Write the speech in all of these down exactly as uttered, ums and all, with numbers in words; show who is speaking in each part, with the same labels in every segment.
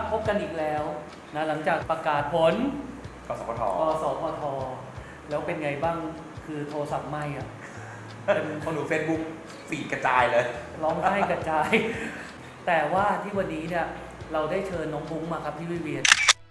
Speaker 1: พบกันอีกแล้วนะหลังจากประกาศผล
Speaker 2: กสพท
Speaker 1: กสพทแล้วเป็นไงบ้างคือโทรศัพท์ไหม้อะ
Speaker 2: เป็นคนดู Facebook ฟีดกระจายเลย
Speaker 1: ร้องไห้กระจาย แต่ว่าที่วันนี้เนี่ยเราได้เชิญน้องบุ้งมาครับพี่วิเวียน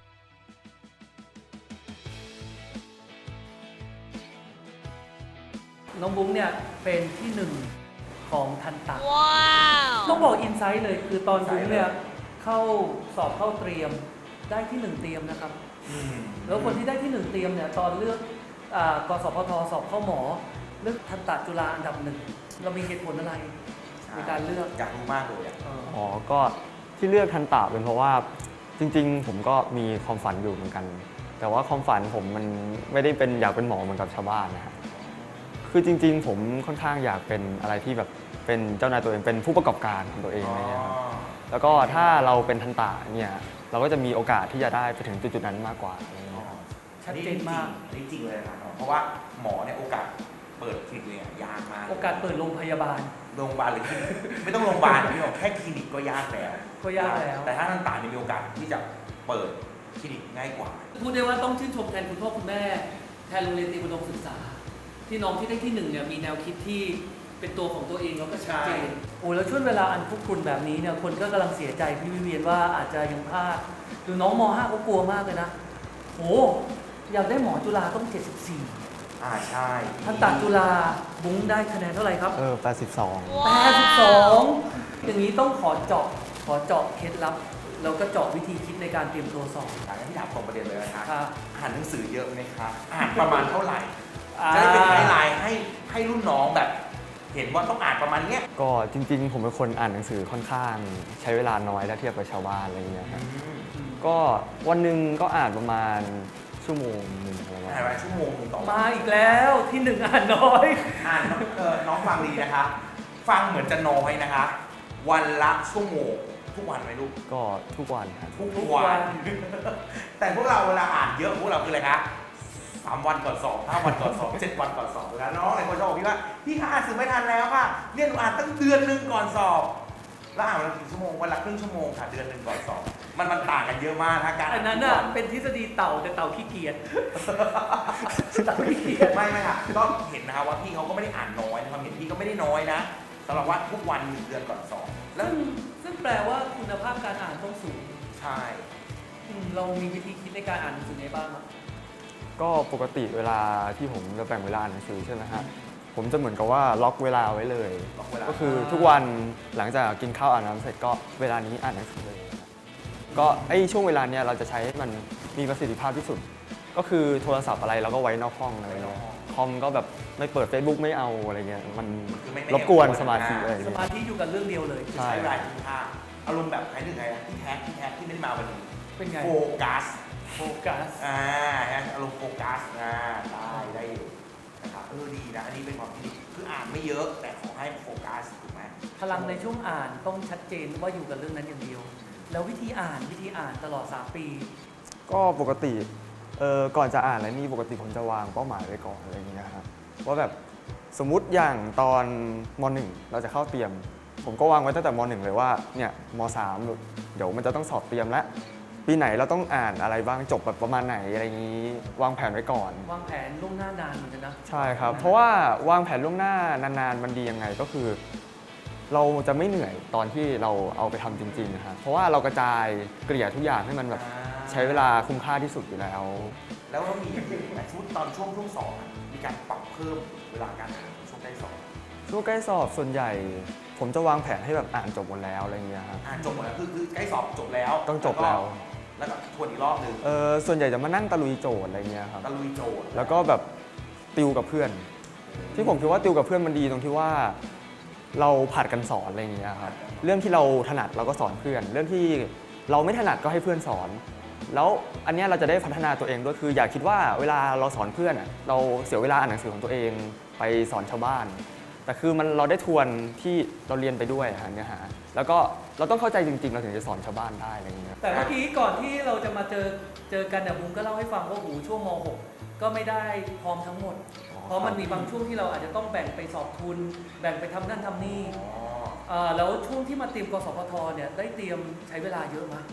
Speaker 1: น้องบุ้งเนี่ยเป็นที่หนึ่งของทันตะต้องบอกอินไซต์เลยคือตอนบุ้งเนี่ยเข้าสอบเข้าเตรียมได้ที่หนึ่งเตรียมนะครับแล้วคนที่ได้ที่หนึ่งเตรียมเนี่ยตอนเลือกกสพทสอบเข้าหมอเลือกทันตะจุฬาอันดับหนึ่งเรามีเหตุผลอะไรในการเลือก
Speaker 2: อยากรู้มากเลย
Speaker 3: อ๋อก็ที่เลือกทันตะเป็นเพราะว่าจริงๆผมก็มีความฝันอยู่เหมือนกันแต่ว่าความฝันผมมันไม่ได้เป็นอยากเป็นหมอเหมือนกับชาวบ้านนะครับคือจริงๆผมค่อนข้างอยากเป็นอะไรที่แบบเป็นเจ้านายตัวเองเป็นผู้ประกอบการของตัวเองอะไรเงี้ยครับแล้วก็ถ้าเราเป็นทันตะเนี่ยเราก็จะมีโอกาสที่จะได้ไปถึงจุดๆนั้นมากกว่าอะไรเงี้ยครับ
Speaker 1: ชัดเจนมาก
Speaker 2: จริงๆเลยครับเพราะว่าหมอเนี่ยโอกาสเปิดคลินิกเนี่ยยากมาก
Speaker 1: โอกาสเปิดโรงพยาบาล
Speaker 2: โรงพยาบาลหรือคลินิกไม่ต้องโรงพยาบาลพี่บอกแค่คลินิกก็ยากแล้ว
Speaker 1: ก็ยากแล้ว
Speaker 2: แต่ถ้าทันตะมีโอกาสที่จะเปิดคลินิกง่ายกว่า
Speaker 1: พูดได้ว่าต้องชื่นชมแทนคุณพ่อคุณแม่แทนโรงเรียนเตรียมอุดมศึกษาที่น้องที่ได้ที่หนึ่งเนี่ยมีแนวคิดที่เป็นตัวของตัวเองแล้วก็ชัดเจนโอ้แล้วช่วงเวลาอันคุกรุ่นแบบนี้เนี่ยคนก็กำลังเสียใจพี่วิเวียนว่าอาจจะยังพลาดดูน้องม ห้าเขากลัวมากเลยนะโอ้อยากได้หมอจุฬาต้องเจ็ดสิบสี่
Speaker 2: อ่าใช่
Speaker 1: ทันตะจุฬาบุ้งได้คะแนนเท่าไหร่ครับ
Speaker 3: เออแปดสิบสอง
Speaker 1: แปดสิบสองอย่างนี้ต้องขอเจาะขอเจาะเคล็ดลับแล้วก็เจาะวิธีคิดในการเตรียมตัวสอบ
Speaker 2: อย่างที่ถามตรงประเด็นเลยนะครับอ่านหนังสือเยอะไหมครับอ่านประมาณเท่าไหร่จะได้เป็นไกด์ไลน์ให้ให้รุ่นน้องแบบเห็นว่าต้องอ่านประมาณเนี้ย
Speaker 3: ก็จริงๆผมเป็นคนอ่านหนังสือค่อนข้างใช้เวลาน้อยถ้าเทียบกับชาวบ้านอะไรเงี้ยครับก็วันหนึ่งก็อ่านประมาณชั่วโมงหนึ่งอะไรประมาณ
Speaker 2: อ่านชั่วโมงหนึ่งต่อ
Speaker 1: มาอีกแล้วที่หนึ่งอ่านน้อย
Speaker 2: อ่านเออน้องฟังดีนะคะฟังเหมือนจะน้อยนะคะวันละชั่วโมงทุกวันไหมลูก
Speaker 3: ก็ทุกวันครับ
Speaker 2: ทุกวันแต่พวกเราเวลาอ่านเยอะพวกเราคืออะไรคะสามวันก่อนสอบห้าวันก่อนสอบเจ็ดวันก่อนสอบแล้วน้องหลายคนชอบบอกพี่ว่าพี่คะอ่านสื่อไม่ทันแล้วค่ะเนี่ยหนูอ่านตั้งเดือนหนึ่งก่อนสอบแล้วอ่านวันละกี่ชั่วโมงวันละครึ่งชั่วโมงค่ะเดือนหนึ่งก่อนสอบมันมันต่างกันเยอะมากนะการ
Speaker 1: อันนั้นน่ะเป็นทฤษฎีเต่าแต่เต่าขี้เกียจเต่าขี้เกียจ
Speaker 2: ไม่ไม่ค่ะก็เห็นนะคะว่าพี่เขาก็ไม่ได้อ่านน้อยความเห็นพี่ก็ไม่ได้น้อยนะสำหรับว่าทุกวันหนึ่งเดือนก่อนสอบ
Speaker 1: แล้วซึ่งแปลว่าคุณภาพการอ่านต้องสูง
Speaker 2: ใช่
Speaker 1: เรามีวิธีคิดในการอ่านหนังสือไงบ้างครับ
Speaker 3: ก็ปกติเวลาที่ผมจะแบ่งเวลาอ่านหนังสือใช่ไหมฮะผมจะเหมือนกับว่าล็อกเวลาไว้เลยก็คือทุกวันหลังจากกินข้าวอาบน้ำเสร็จก็เวลานี้อ่านหนังสือเลยก็ไอช่วงเวลาเนี้ยเราจะใช้ให้มันมีประสิทธิภาพที่สุดก็คือโทรศัพท์อะไรเราก็ไว้นอกห้องอะไรเงี้ยคอมก็แบบไม่เปิด Facebook ไม่เอาอะไรเงี้ยมันรบกวนสมาธิอะไร
Speaker 1: สมาธิอยู่กับเรื่องเดียวเลย
Speaker 2: ใช้เวลาคุ้มค่าอารมณ์แบบใครหนึ่งไงที่แท็กที่แท็กที่ไม่ได้มาวันนี้
Speaker 1: เป็นไง
Speaker 2: โฟกัส
Speaker 1: โฟกัส
Speaker 2: อ่าอารมณ์โฟกัสอ่าได้ได้อยู่นะครับเออดีนะอันนี้เป็นความคิดคืออ่านไม่เยอะแต่ขอให้โฟกัสถูกไหม
Speaker 1: พลังในช่วงอ่านต้องชัดเจนว่าอยู่กับเรื่องนั้นอย่างเดียวแล้ววิธีอ่านวิธีอ่านตลอดสามปี
Speaker 3: ก็ปกติเออก่อนจะอ่านอะไรนี่ปกติผมจะวางเป้าหมายไว้ก่อนอะไรอย่างเงี้ยครับว่าแบบสมมุติอย่างตอนม.หนึ่ง เราจะเข้าเตรียมผมก็วางไว้ตั้งแต่ม.หนึ่ง เลยว่าเนี่ยม.สาม เดี๋ยวมันจะต้องสอบเตรียมแล้วปีไหนเราต้องอ่านอะไรบ้างจบแบบประมาณไหนอะไรอย่างนี้วางแผนไว้ก่อน
Speaker 1: วางแผนล่วงหน้านานเหมือนกันนะ
Speaker 3: ใช่ครับเพราะว่าวางแผนล่วงหน้านานๆมันดียังไงก็คือเราจะไม่เหนื่อยตอนที่เราเอาไปทำจริงๆนะครับเพราะว่าเรากระจายเกลี่ยทุกอย่างให้มันแบบใช้เวลาคุ้มค่าที่สุดอยู่แล้ว
Speaker 2: แล้วก็มีแบบชุดตอนช่วงช่วงสอบมีการปรับเพิ่มเวลาการอ่านช่วงใกล้สอบ
Speaker 3: ช่วงใกล้สอบส่วนใหญ่ผมจะวางแผนให้แบบอ่านจบหมดแล้วอะไรเงี้ยครับ
Speaker 2: อ่านจบหมดแล้วคือคือใกล้สอบจบแล้ว
Speaker 3: ต้องจบแล้ว
Speaker 2: แล้วก็ทวนอีกรอบนึง
Speaker 3: เออส่วนใหญ่จะมานั่งตะลุยโจทย์อะไรเงี้ยครับ
Speaker 2: ตะลุยโจทย์
Speaker 3: แล้วก็แบบติวกับเพื่อนที่ผมคิดว่าติวกับเพื่อนมันดีตรงที่ว่าเราผัดกันสอนอะไรอย่างเงี้ยครับเรื่องที่เราถนัดเราก็สอนเพื่อนเรื่องที่เราไม่ถนัดก็ให้เพื่อนสอนแล้วอันนี้เราจะได้พัฒนาตัวเองด้วยคืออย่าคิดว่าเวลาเราสอนเพื่อนเราเสียเวลาอ่านหนังสือของตัวเองไปสอนชาวบ้านแต่คือมันเราได้ทวนที่เราเรียนไปด้วยเนื้อหาแล้วก็เราต้องเข้าใจจริงๆเราถึงจะสอนชาวบ้านได้อะไรอย่างเงี้ย
Speaker 1: แต่เมื่อกี้ก่อนที่เราจะมาเจอเจอกันเนี่ยบุ้งก็เล่าให้ฟังว่าหูช่วงม หก ก็ไม่ได้พร้อมทั้งหมดเพราะมันมีบางช่วงที่เราอาจจะต้องแบ่งไปสอบทุนแบ่งไปทำนั่นทำนี่แล้วช่วงที่มาเตรียมกสพทเนี่ยได้เตรียมใช้เวลาเยอะไหม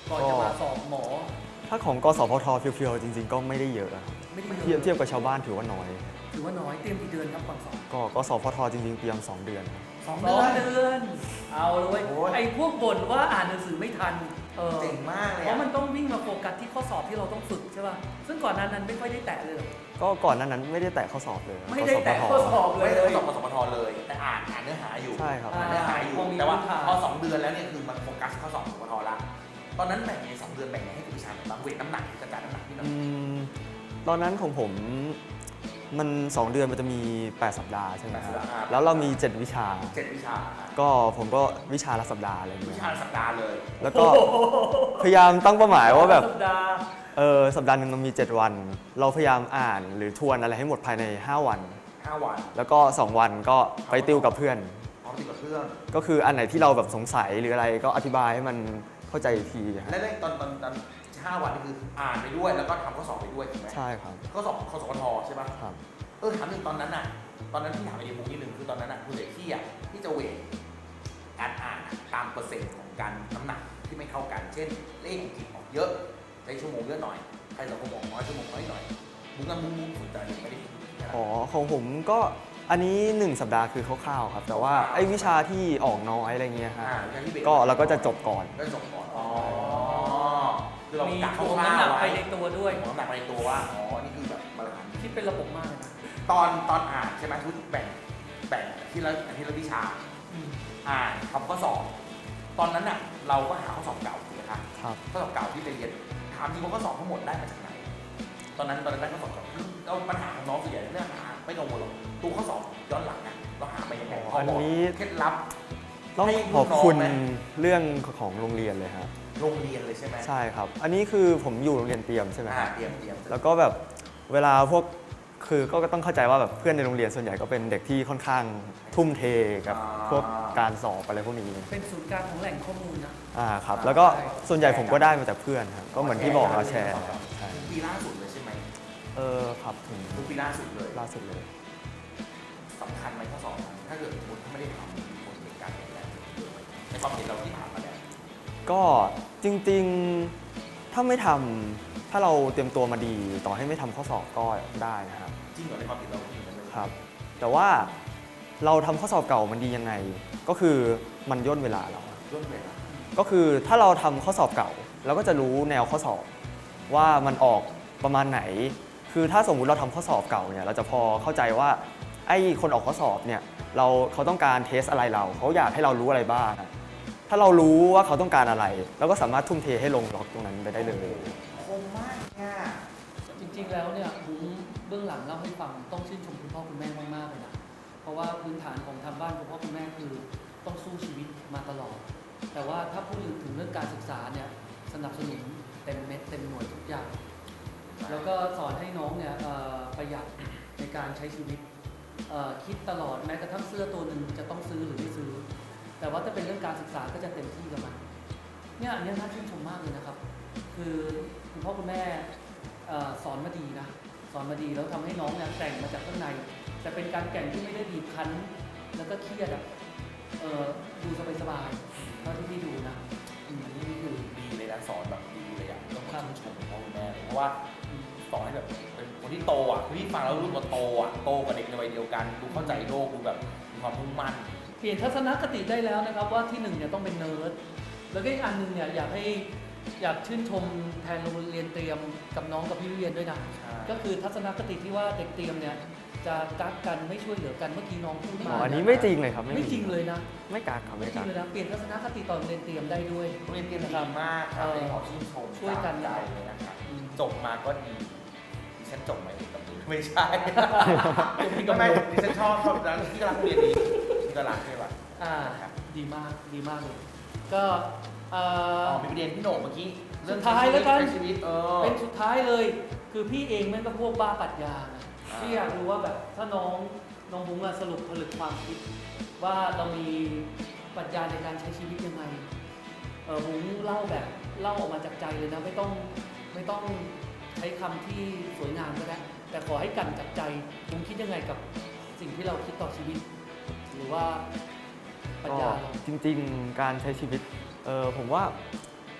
Speaker 1: ก่อนจะมาสอบหมอ
Speaker 3: ถ้าของกสพทเพียวๆจริงๆ ก็ไม่ได้เยอะครับ
Speaker 1: ไม่ได้
Speaker 3: เทียบเทียบกับชาวบ้านถือว่าน้อย
Speaker 1: ถือว่าน้อยเตรียมกี่เดือนครับก่อนสอบ
Speaker 3: ก็กสพทจริงๆเตรียมสองเดือน
Speaker 2: สอง
Speaker 1: ส
Speaker 2: เดื
Speaker 1: อ
Speaker 2: อง น
Speaker 1: เดือน เอาเลย
Speaker 2: โอ้ย
Speaker 1: ไอ้พวกบ่นว่าอ่านหนังสือไม่ทันเออ
Speaker 2: เจ๋งมากเลย
Speaker 1: เพ
Speaker 2: อะ
Speaker 1: ราะมันต้องวิ่งมาโฟกัสที่ข้อสอบที่เราต้องฝึกใช่ป่ะซึ่งก่อนหนั้นนั้นไม่ค่อยได้แตะเลยเหรอ
Speaker 3: ก็ก่อนหนั้นนั้นไม่ได้แตะข้อสอบเลย
Speaker 1: ไม่ได้แตะ
Speaker 3: กสพท
Speaker 1: ข้อสอบเล
Speaker 2: ไม่
Speaker 1: ย
Speaker 2: ได้สอบกสพทเลย แต่อ่านอ่านเนื้อหาอยู่
Speaker 3: ใช่ครับ
Speaker 2: อ่านเนื้อหาอยู่
Speaker 1: พอมี
Speaker 2: แต่ว่า
Speaker 1: พื้นฐาน
Speaker 2: พอสองเดือนแล้วเนี่ยคือมันโฟกัสข้อสอบกสพทละตอนนั้นแบ่งในสองเดือนแบ่งไงให้คุณวิชาบ้างเวทน้ำหนักกระจายน้ำหนักที่หน่อย
Speaker 3: อืมตอนนั้นของผมมันสองเดือนมันจะมีแปดสัปดาห์ใช่ไหมครับ
Speaker 2: แปดสัปดาห์
Speaker 3: แล้วเรามีเจ็ดวิชา
Speaker 2: เจ็ดวิชา
Speaker 3: ก็ผมก็วิชาละสัปดาห์อะไรอย่าง
Speaker 2: วิ
Speaker 3: เงี้ย
Speaker 2: ชาสัปดาห์เลย
Speaker 3: แล้วก็พยายามตั้งเป้าหมายว่าแบบ
Speaker 1: สัปดาห์
Speaker 3: เออสัปดาห์หนึ่งมันมีเจ็ดวัน เราพยายามอ่านหรือทวนอะไรให้หมดภายในห้าวัน
Speaker 2: ห้าวัน
Speaker 3: แล้วก็สองวันก็ไปติวกับเพื่อน
Speaker 2: พร้อมติดกับเพื่อน
Speaker 3: ก็คืออันไหนที่เราแบบสงสัยหรืออะไรก็อธิบายให้มันเข้าใจอีกทีฮะ
Speaker 2: และในตอนตอนตอนห้าวันนี่คืออ่านไปด้วยแล้วก็ทำข้อสอบไปด้วยถูกไหม
Speaker 3: ใช่ครับ
Speaker 2: ข้อสอบข้อสอบกทใช่ปะ
Speaker 3: ครับ
Speaker 2: เออถามหนึ่งตอนนั้นน่ะ ตอนนั้นที่ถามไอเดียมุกนิดนึงคือตอนนั้นน่ะคุณเด็กที่อ่ะที่จะเวทการอ่านอะตามเปอร์เซ็นต์ของการน้ำหนักที่ไม่เข้ากัน เช่นเลขอังกฤษออกเยอะใช้ชั่วโมงเยอะหน่อยใครสังคมออกน้อยชั่วโมงน้อยหน่อยมุกนั้นมุกมุกสนใจหรือไม่ได้คิดแค่นั้น
Speaker 3: อ๋อของผมก็อันนี้หนึ่งสัปดาห์คือคร่าวๆครับ แต่ว่าไอ้วิชาที่ออกน้อยอะไรเงี้ยฮะ
Speaker 2: อ่าวิชาที่เบส
Speaker 3: ก็เราก็จะจบก่อน
Speaker 2: ก็จบก่อนอ๋อคือเรา
Speaker 1: มี
Speaker 2: กะค
Speaker 1: ถ่วง
Speaker 2: ร่า
Speaker 1: น้ำหนั
Speaker 2: ว
Speaker 1: ก
Speaker 2: ๆ
Speaker 1: ไป
Speaker 2: ไว้
Speaker 1: ในตัวด้วย
Speaker 2: ถ่วงน้ำหนักไปในตัวว่าอ๋อนี่คือแบบมาตรฐาน
Speaker 1: คิดเป็นระบบมากเลยนะ
Speaker 2: ตอนตอนอ่านใช่ไหมทุกแบ่งแบ่งที่ละที่ละวิชา
Speaker 1: อืม
Speaker 2: อ่านทำข้อสอบ ตอนนั้นน่ะเราก็หาข้อสอบเก่าถูกไหมคะ
Speaker 3: ครับ
Speaker 2: ข้อสอบเก่าที่ไปเรียนถามจริงว่าข้อสอบทั้งหมดได้มาจากไหน ตอนนั้นตอนนั้นได้ข้อสอบเก่าคือเราปัญหาของน้องส่วนใหญ่เรื่องหาไม่กังวลหรอกตัวข้อสอบย้อนหลังอ่ะเราหาไปยังไง
Speaker 3: อ๋อ
Speaker 2: พอบอก
Speaker 3: อันนี้
Speaker 2: เคล็ดลับ
Speaker 3: ต้อง
Speaker 2: ให้
Speaker 3: ขอบคุณ
Speaker 2: ลูกน้องไหม
Speaker 3: เรื่องของโรงเรียนเลยครับ
Speaker 2: โรงเรียนเลยใช่ไหม
Speaker 3: ใช่ครับ อันนี้คือผมอยู่โรงเรียนเตรียมใช่ไหมค
Speaker 2: อ่า
Speaker 3: รับ
Speaker 2: เตรียมเตรียม
Speaker 3: แล้วก็แบบเวลาพวกคือก็ต้องเข้าใจว่าแบบเพื่อนในโรงเรียนส่วนใหญ่ก็เป็นเด็กที่ค่อนข้างทุ่มเทกับพวกการสอบอะไรพวกนี้
Speaker 1: เป็นศูนย์กลางของแหล่งข้อมูลนะ
Speaker 3: อ่าครับ แล้วก็ส่วนใหญ่ผมก็ได้มาจากเพื่อนครับ ก็เหมือนที่บอกเราแชร์ใช่
Speaker 2: ปีล่าสุดเลยใช่ไหม
Speaker 3: เออครับถึง
Speaker 2: ทุกปีล่าสุดเลย
Speaker 3: ล่าสุดเลย
Speaker 2: สำคัญไหมข้อสอบนั้นถ้าเกิดสมมติถ้าไม่ได้ทำมีผลในการเปลี่ยนแปลงในความเห็นเราที่ผ่านมาเนี่ย
Speaker 3: ก็จริงๆถ้าไม่ทำถ้าเราเตรียมตัวมาดี ต่อให้ไม่ทำข้อสอบก็ได้นะครับ
Speaker 2: จริงเหรอในความเห็นเราจริงเหรอเลย
Speaker 3: ครับ แต่ว่าเราทำข้อสอบเก่ามันดียังไง ก็คือมันย่นเวลาเรา
Speaker 2: ร่วมเวลา
Speaker 3: ก็คือถ้าเราทำข้อสอบเก่าเราก็จะรู้แนวข้อสอบว่ามันออกประมาณไหน คือถ้าสมมุติเราทำข้อสอบเก่าเนี่ยเราจะพอเข้าใจว่าไอ้คนออกข้อสอบเนี่ยเราเขาต้องการเทสอะไรเราเขาอยากให้เรารู้อะไรบ้าง ถ้าเรารู้ว่าเขาต้องการอะไรเราก็สามารถทุ่มเทให้ลงล็อกตรงนั้นไปได้เลย
Speaker 2: คมมากเนี่ย
Speaker 1: จริงๆ แล้วเนี่ยบุ้งเบื้องหลังเล่าให้ฟังต้องชื่นชมคุณพ่อคุณแม่มากๆเลยนะ เพราะว่าพื้นฐานของทางบ้านคุณพ่อคุณแม่คือต้องสู้ชีวิตมาตลอด แต่ว่าถ้าพูดถึงเรื่องการศึกษาเนี่ยสนับสนุนเต็มเม็ดเต็มหน่วยทุกอย่าง แล้วก็สอนให้น้องเนี่ยเอ่อประหยัดในการใช้ชีวิตเอ่อคิดตลอดแม้กระทั่งเสื้อตัวหนึ่งจะต้องซื้อหรือไม่ซื้อ แต่ว่าถ้าเป็นเรื่องการศึกษาก็จะเต็มที่กับมันเนี่ยอันเนี้ยน่าชื่นชมมากเลยนะครับ คือคุณพ่อคุณแม่เอ่อสอนมาดีนะสอนมาดีแล้วทำให้น้องเนี่ยแต่งมาจากข้างใน แต่เป็นการแต่งที่ไม่ได้บีบคั้น แล้วก็เครียดอะเอ่อดูสบายๆเท่าที่พี่ดูนะอืมนี่คือ
Speaker 2: ดีเลยนะสอนแบบดีเลยอ่ะต้อง
Speaker 1: ครับ
Speaker 2: ชื่นชมคุณพ่อคุณแม่เลยเพราะว่าสอนให้แบบเป็นคนที่โตอ่ะคือที่ฟังแล้วรู้ว่าโตอ่ะโตกับเด็กในวัยเดียวกันดูเข้าใจโลกดูแบบมีความมุ่งมั่น
Speaker 1: เปลี่ยนทัศนคติได้แล้วนะครับว่าที่หนึ่งเนี่ยต้องเป็นเนิร์ดแล้วก็อีกอันหนึ่งเนี่ยอยากให้อยากชื่นชมแทนโรงเรียนเตรียมกับน้องกับพี่วิเวียนด้วยนะ
Speaker 2: ใช่
Speaker 1: ก็คือทัศนคติที่ว่าเด็กเตรียมเนี่ยจะกักกันไม่ช่วยเหลือกันเมื่อกี้น้องพูด
Speaker 3: อ๋
Speaker 1: มา
Speaker 3: ออันนี้ไม่จริงเลยครับ
Speaker 1: ไม่จริงเลยนะ
Speaker 3: ไม่กักครับ
Speaker 1: ไม่
Speaker 3: ไม่
Speaker 1: จริ
Speaker 3: กั
Speaker 1: ง
Speaker 3: ก
Speaker 1: เลยนะเปลี่ยนทัศนคติตอนเรียนเตรียมได้ด้วย
Speaker 2: โรงเรียนเตรียมดีมากครับเป็นขอชื่นชม
Speaker 1: ช่วยกัน
Speaker 2: ใจเลยนะครับ
Speaker 1: อืม
Speaker 2: จบมาก็ดีดิฉันจบมาเอกกับมือไม่ใช่
Speaker 1: จบที่กับมื
Speaker 2: ไม่
Speaker 1: อ
Speaker 2: ดิฉันชอบชอบแล้วที่กำลังเรียนดีที่กำลังใช่ป่ะ
Speaker 1: อ่า
Speaker 2: ครับ
Speaker 1: ดีมากดีมากเลย ก็เอ่อ
Speaker 2: อ๋อมีประเด็นพี่โหน่งเมื่อกี้เรื่อง
Speaker 1: สุดท้ายแล้วกัน
Speaker 2: ใช้ชีวิตเออ
Speaker 1: เป็นสุดท้ายเลย คือพี่เองแม่งก็พวกบ้าปรัชญานะ
Speaker 2: อ่า
Speaker 1: พี่อยากรู้ว่าแบบถ้าน้องน้องบุ้งอะสรุปผลึกความคิด ว่าเรามีปรัชญาในการใช้ชีวิตยังไงเออบุ้งเล่าแบบเล่าออกมาจากใจเลยนะ ไม่ต้องไม่ต้องใช้คำที่สวยงามก็ได้แต่ขอให้กันจากใจบุ้งคิดยังไงกับสิ่งที่เราคิดต่อชีวิต หรือว่าปรัช
Speaker 3: ก็
Speaker 1: ญาเรา
Speaker 3: จริงๆ การใช้ชีวิตเออผมว่า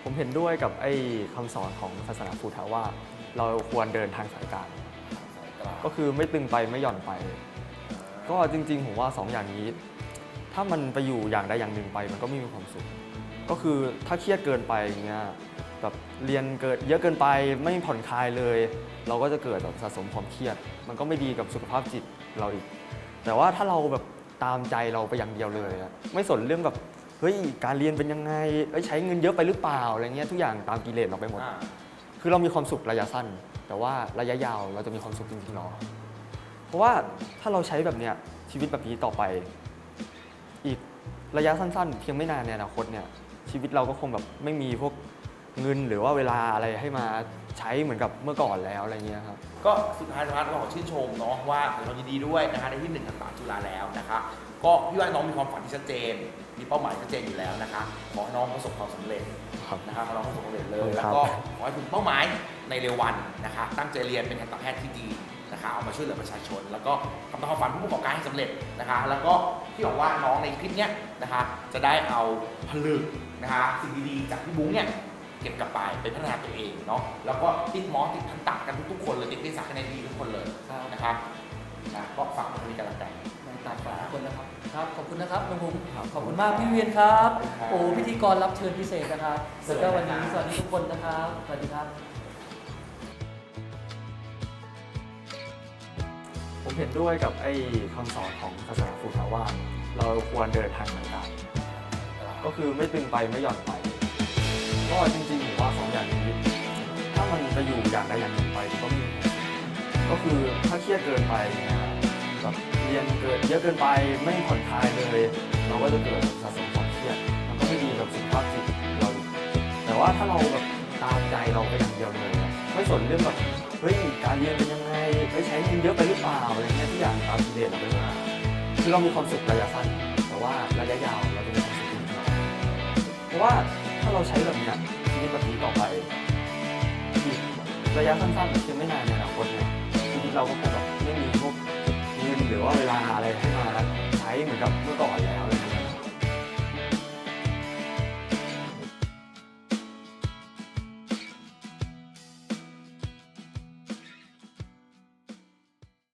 Speaker 3: ผมเห็นด้วยกับไอ้คำสอนของศาสนาพุทธว่าเราควรเดินทางสายกลางก็คือไม่ตึงไปไม่หย่อนไป ก็จริงๆผมว่าสองอย่างนี้ ถ้ามันไปอยู่อย่างใดอย่างหนึ่งไปมันก็ไม่มีความสุข ก็คือถ้าเครียดเกินไปอย่างเงี้ยแบบเรียนเกิดเยอะเกินไปไม่ผ่อนคลายเลย เราก็จะเกิดแบบสะสมความเครียด มันก็ไม่ดีกับสุขภาพจิตเราอีก แต่ว่าถ้าเราแบบตามใจเราไปอย่างเดียวเลยอะไม่สนเรื่องแบบเฮ้ยการเรียนเป็นยังไงเอ้ยใช้เงินเยอะไปหรือเปล่าอะไรเงี้ยทุกอย่างตามกิเลสเราไปหมด คือเรามีความสุขระยะสั้น แต่ว่าระยะยาวเราจะมีความสุขจริงๆหรอเพราะว่าถ้าเราใช้แบบเนี้ยชีวิตแบบนี้ต่อไป อีกระยะสั้นๆเพียงไม่นานในอนาคตเนี่ยชีวิตเราก็คงแบบไม่มีพวกเงินหรือว่าเวลาอะไรให้มาใช้เหมือนกับเมื่อก่อนแล้วอะไรเงี้ยครับ
Speaker 2: ก็สุดท้ายนะครับก็ขอชื่นชมเนาะว่าเรายินดีด้วยนะคะได้ที่หนึ่งทันตะจุฬาแล้วนะคะก็พี่ว่าน้องมีความฝันที่ชัดเจน มีเป้าหมายชัดเจนอยู่แล้วนะคะขอให้น้องประสบความสำเร็จ
Speaker 3: ครับ
Speaker 2: นะคะขอให้น้องประสบความสำเร็จเลย
Speaker 3: ค
Speaker 2: แล้
Speaker 3: รั
Speaker 2: ว
Speaker 3: บ
Speaker 2: ก็ขอให้ถึงเป้าหมายในเร็ววันนะคะตั้งใจเรียนเป็นทันตแพทย์ที่ดีนะคะเอามาช่วยเหลือประชาชน แล้วก็ทำตามความฝันผู้ประกอบการให้สำเร็จนะคะแล้วก็พี่หวังว่าน้องในคลิปเนี้ยนะคะจะได้เอาผลึกนะคะสิ่งดีๆจากพี่บุ้งเนี่ยเก็บกลับไปไปพัฒนาตัวเองเนาะแล้วก็ติดหมอติดทันตะกันทุกๆคนเลยติดวิชาคะแนนดีทุกคนเลยนะครับนะก็ฝากมาคุยกันแล้วกัน
Speaker 1: ในตามฝากคนนะครับครับขอบคุณนะครับน้องบุ๋มขอบคุณมากพี่เวียนครับ
Speaker 2: ขอบคุณครับ
Speaker 1: โอ้พิธีกรรับเชิญพิเศษนะครับแล้วก็วันนี้สวัสดีทุกคนนะครับสวัสดีครับ
Speaker 3: ผมเห็นด้วยกับไอ้คำสอนของศาสนาพุทธว่า เราควรเดินทางสายกลางก็คือไม่ตึงไปไม่หย่อนไป ก็จริงๆผมว่าสองอย่างนี้ ถ้ามันไปอยู่อย่างใดอย่างหนึ่งไปมันก็ไม่มีผลก็คือถ้าเครียดเกินไปเนี่ยแบบเรียนเกิดเยอะเกินไปไม่ผ่อนคลายเลย เราก็จะเกิดสะสมความเครียดมันก็ไม่ดีกับสุขภาพจิตเราอีกแต่ว่าถ้าเราแบบตามใจเราไปอย่างเดียวเลยอะไม่สนเรื่องแบบเฮ้ยการเรียนเป็นยังไงไปใช้เงินเยอะไปหรือเปล่าอะไรเงี้ยทุกอย่างตามกิเลสเราไปหมดคือเรามีความสุขระยะสั้นแต่ว่าระยะยาวเราจะมีความสุขจริงๆเพราะว่าถ้าเราใช้แบบเนี้ยชีวิตแบบนี้ต่อไปอีกระยะสั้นๆเพียงไม่นานในอนาคตเนี่ยชีวิตเราก็คงแบบไม่มีพวกเงินหรือว่าเวลาอะไรให้มาใช้เหมือนกับเมื่อก่อนแล้ว